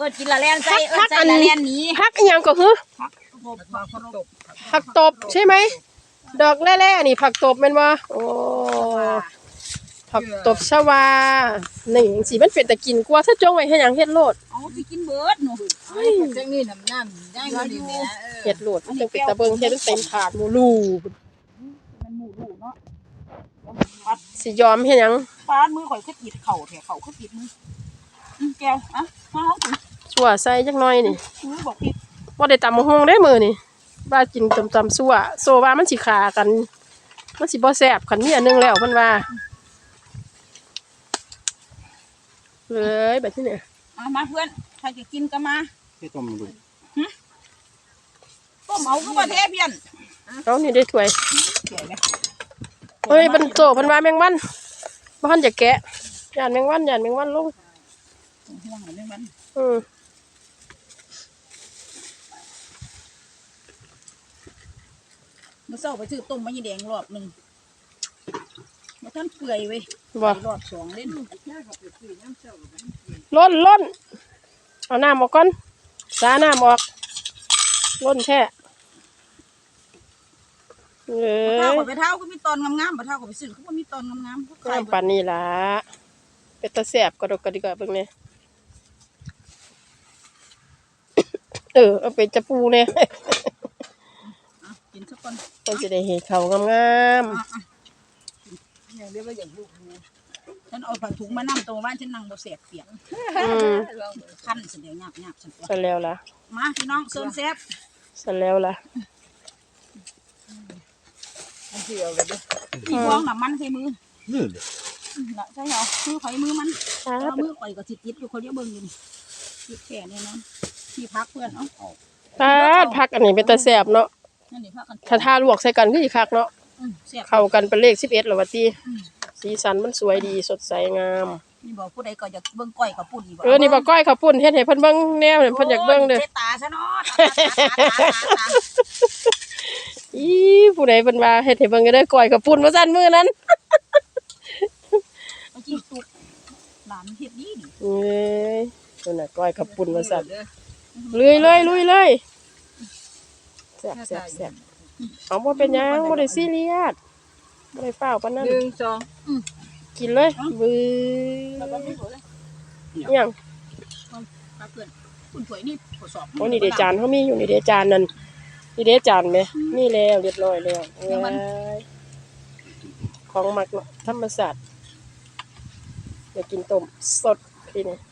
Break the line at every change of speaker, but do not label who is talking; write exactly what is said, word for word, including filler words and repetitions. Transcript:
อกินละแลนใส่เออใส่ละแลนนี้
ผักอีหยังก็คือผักตบใช่ไหมดอกแร่ๆนี่ผักตบแม่นบ่โอ้ผักตบชวานี่จังซี่มันเป็นตะกินกว่าถ้าจงไว้เฮ็ดหยังเฮ็ดโลด
เอาสิกินเบิดหนู
เฮ้ยจังนี่น้ำน้ำได้ก็ดีแม่เออ
เฮ็ดโลดมันจังเป็นตะเบิงเฮ็ดเต็มถาดหมูลู
มันหมูลูเนาะ
สิยอมเฮ็ดหยัง
ปาดมือข่อยคือติดเข่าแถเข่าคือติดมืออือแก้วอ่ะมาเฮากิน
ซั่วใส่จักหน่อยนี่
มือบอกผิด
บ่ได้ตำบักหุ่งได้มื้อนี่ว่ากินตำๆซั่วโซว่ามันสิฆ่ากันมันสิบ่แซ่บคันมีอันนึงแล้วเพิ่นว่าเลยแบบนี้เนี่ย
มาเพื่อนใครจะกินก็มา
ที่ต้มดู
ต้มเอาก็ประเทศเพี้ยน
เอานี่ได้ถ้วยเฮ้ยบรรโจพันวาแมงวันบ้านจะแกะยานแมงวันยานแมงวันลง
ห่วงแมงวัน
อืม
เมื่อเช้าไปซื้อต้มมะยี่แดงรอบหนึ่งมาท่านเปื่อยเว้ยรอบสองเล่น
ล้นล้นเอาน้ำออกก่อนสาน้ำออกล้นแท้เอ้
ยเท้ากับไปเท้าก็มีตอนงามๆไปเท้ากับไปซื้อเขาก็มีตอนงามๆ
ก็ปานนี้ล่ะเป็นตะแสบกระดกกระดิกเบิ่งเนี่ยเออเอาเป็นจะปูเนี่ย
กินสักคน
มันจะได้เห็นเขางาม
ๆอย่างเดียวว่าอย่างลูกฉันเอาผักถุงมานั่งตรงบ้านฉันนั่งบ่เสียบเสียงขั้นเสียงหยาบหยาบฉัน
เสร็จแล้วล่ะ
มาพี่น้องเซิร์นเซฟ
เสร็จแล้วล่ะ
พี่ฟ้องหนักมันใส่มือ
นี่เลย
น่ะใช่เหรอมือไผ่มือมันแล้วมือไผ่ก็ติดติดอยู่คนเดียวเบิ่งอยู่ติดแขนเนี่ยนะที่พักเพื่อนเนาะ
พักพักอันนี้เป็นตะแสบเนาะถ้าทาลวกใส่กันก็อีกคักเนาะเข้ากันเป็นเลขสิบเอ็ดหรอวะที่สีสันมันสวยดีสดใสงาม
นี่บอกผู้ใดก็อยากเบิ่งก้อยกับปุ่น
เออนี่บอกก้อยกับปุ่นเฮ็ดให้เพิ่นเบิ่งแนวเพิ่นอยากเบิ่งเด้อ
ตาซะเนาะ
อีผู้ใดเพิ่นว่าเฮ็ดให้เบิ่งก็ได้ก้อยกับปุ่นว่าซั่นมื้อนั้น
เมื่อกี้ตุกหลานเฮ็ดดีดิ
เอ้ยนั่นน่ะก้อยกับปุ่นว่าซั่นลุยเลยลุยเลยแซ่บแซ่บแซ่บเอาบ่เป็นหยังบ่ได้ซีเรียสบ่ได้ฟ้าวปานนั้น
หนึ่งสอง
กินเลยบื้อยัง
เพื่อนคุณถวยนี่ทดสอบ
โอ้นี่เดจานเขามีอยู่นี่เดจานนั่นนี่เดจานไหมนี่แล้วเรียบร้อยแล้วของหมักธรรมศาสตร์อยากกินต้มสดทีนี้